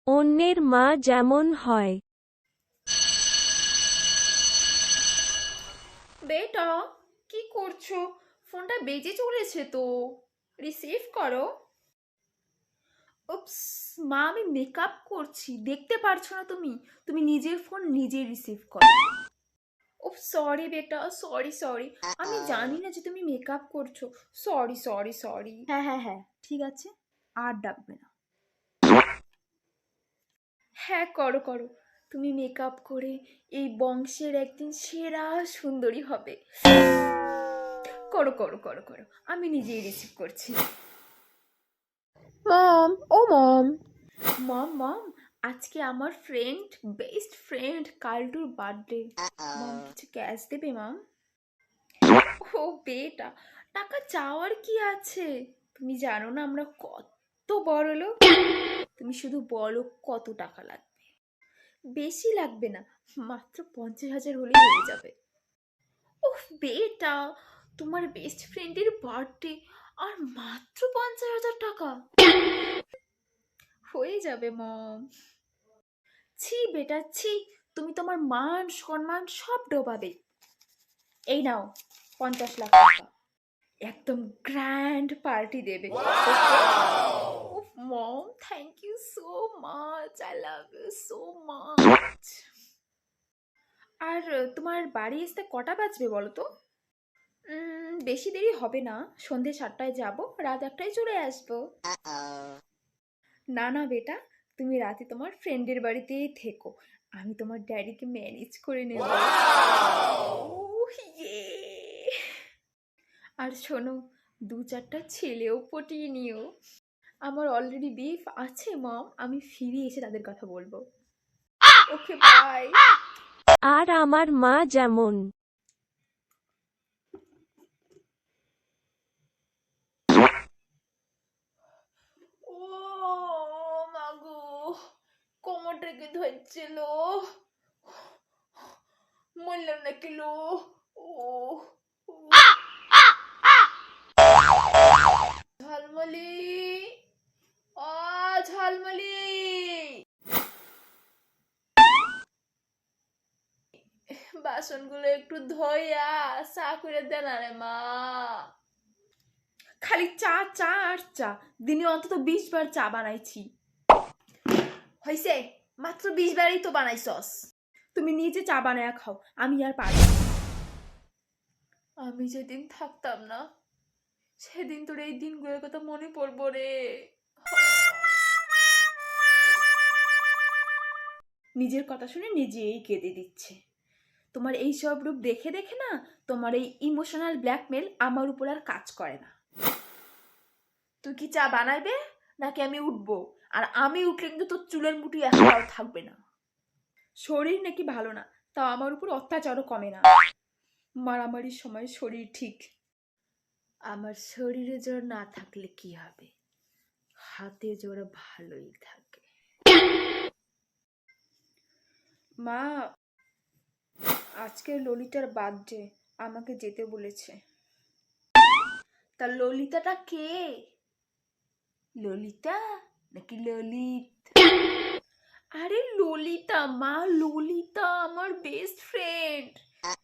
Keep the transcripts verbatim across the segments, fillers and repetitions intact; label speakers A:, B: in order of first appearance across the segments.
A: অন্যের মা যেমন হয়।
B: বেটা, কি করছো? ফোনটা বেজে চলেছে তো, রিসিভ করো। উপস, মা আমি মেকআপ করছি, দেখতে পারছো না তুমি? তুমি নিজের ফোন নিজেই রিসিভ করো। উফ সরি বেটা, সরি সরি, আমি জানি না যে তুমি মেকআপ করছো। Sorry sorry sorry. হ্যাঁ হ্যাঁ হ্যাঁ, ঠিক আছে, আর ডাকবে না। হ্যাঁ করো করো, তুমি মেকআপ করে এই বংশের একদিন সেরা সুন্দরী হবে। করো করো করো করো, আমি নিজেই রিসিভ করছি। মম, ও মম। মম মম, আজকে আমার ফ্রেন্ড, বেস্ট ফ্রেন্ড কালটুর বার্থডে। মম কিছু ক্যাশ দেবে মম? ও বেটা, টাকা চাওয়ার কি আছে? তুমি জানো না আমরা কত বড় লোক। তুমি শুধু বলো কত টাকা লাগবে। বেশি লাগবে না, মাত্র পঞ্চাশ হাজার হলেই হয়ে যাবে। ওহ বেটা, তোমার বেস্ট ফ্রেন্ডের বার্থডে আর মাত্র পঞ্চাশ হাজার টাকা? হয়ে যাবে মম। ছি বেটা ছি, তুমি তোমার মান সম্মান সব ডোবাবে। এই নাও পঞ্চাশ লাখ টাকা, একদম গ্র্যান্ড পার্টি দেবে। উফ mom, thank you so much, I love you so much. আর তোমার বাড়ি আসতে কটা বাজবে বলো তো? উম, বেশি দেরি হবে না, সন্ধে সাতটায় যাব, রাত একটায় চলে আসবো। না না বেটা, তুমি রাতে তোমার ফ্রেন্ডের বাড়িতেই থেকো, আমি তোমার ড্যাডিকে ম্যানেজ করে নেব। ওহ, ইয়ে। আর শোনো, দু চারটা ছেলেও পটিয়ে নিও। আমার অলরেডি বিফ আছে মম, আমি ফিরে এসে তাদের কথা বলবো। Okay bye.
A: আর আমার মা যেমন।
B: ও মাগো, কোমরটাকে ধরছিল, মরলাম না কিলো। ও ও। ঝালমলি, ও ঝালমলি, বাসনগুলো একটু ধোয়া চা করে দেন রে মা। খালি চা চা আর চা, দিনে অন্তত বিশ বার চা বানাইছি। হয়েছে, মাত্র বিশ বারই তো বানাইছস। তুমি নিজে চা বানায়া খাও, আমি আর পারবো না। আমি যেদিন থাকতাম না, সেদিন তোর এই দিনগুলোর কথা মনে পড়বো রে। নিজের কথা শুনে নিজেই কেঁদে দিচ্ছে। তোমার এই সব রূপ দেখে দেখে না, তোমার এই ইমোশনাল ব্ল্যাকমেল আমার উপর আর কাজ করে না। তুই কি চা বানাইবে নাকি আমি উঠবো? আর আমি উঠলে কিন্তু তোর চুলের মুঠি একটাও থাকবে না। শরীর নাকি ভালো না, তাও আমার উপর অত্যাচারও কমে না। মারামারির সময় শরীর ঠিক। আমার শরীরে জ্বর না থাকলে কি হবে, হাতে জ্বর ভালোই থাকে। মা, আজকে ললিতার বার্থডে, আমাকে যেতে বলেছে। তা ললিতাটা কে? ললিতা নাকি ললিত? আরে ললিতা মা, ললিতা আমার বেস্ট ফ্রেন্ড।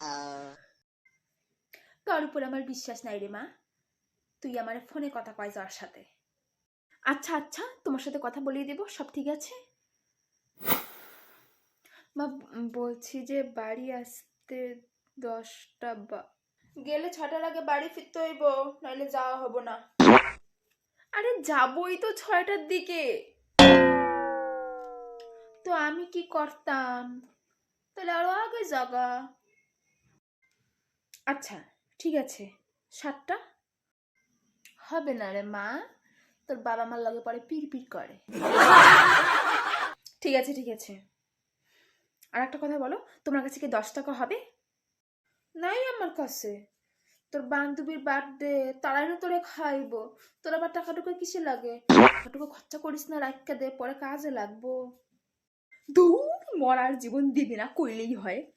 B: তোর উপর আমার বিশ্বাস নাই রে মা, তুই আমার ফোনে কথা কয় যার সাথে। আচ্ছা আচ্ছা, তোমার সাথে কথা বলিয়ে দেব, সব ঠিক আছে। মা বলছি যে বাড়ি আসতে দশটা বা গেলে ছটার আগে বাড়ি ফিরতে হইব, নাহলে যাওয়া হবো না। আরে যাবই তো ছয়টার দিকে। তো আমি কি করতাম? তাহলে আরো আগে জাগা। আচ্ছা ঠিক আছে, সাতটা হবে না রে মা, তোর বাবা মার লগে পরে পিড় পিড় করে। ঠিক আছে ঠিক আছে। আর একটা কথা বলো, তোমার কাছে কি দশ টাকা হবে? নাই আমার কাছে। তোর বান্ধবীর বার্থডে, তারাই না তোরে খাইব, তোর আবার টাকাটুকু কিসে লাগে? টাকাটুকু খরচা করিস না, রাখা দে, পরে কাজে লাগবো। দূর, মরার জীবন দিবি না কইলেই হয়।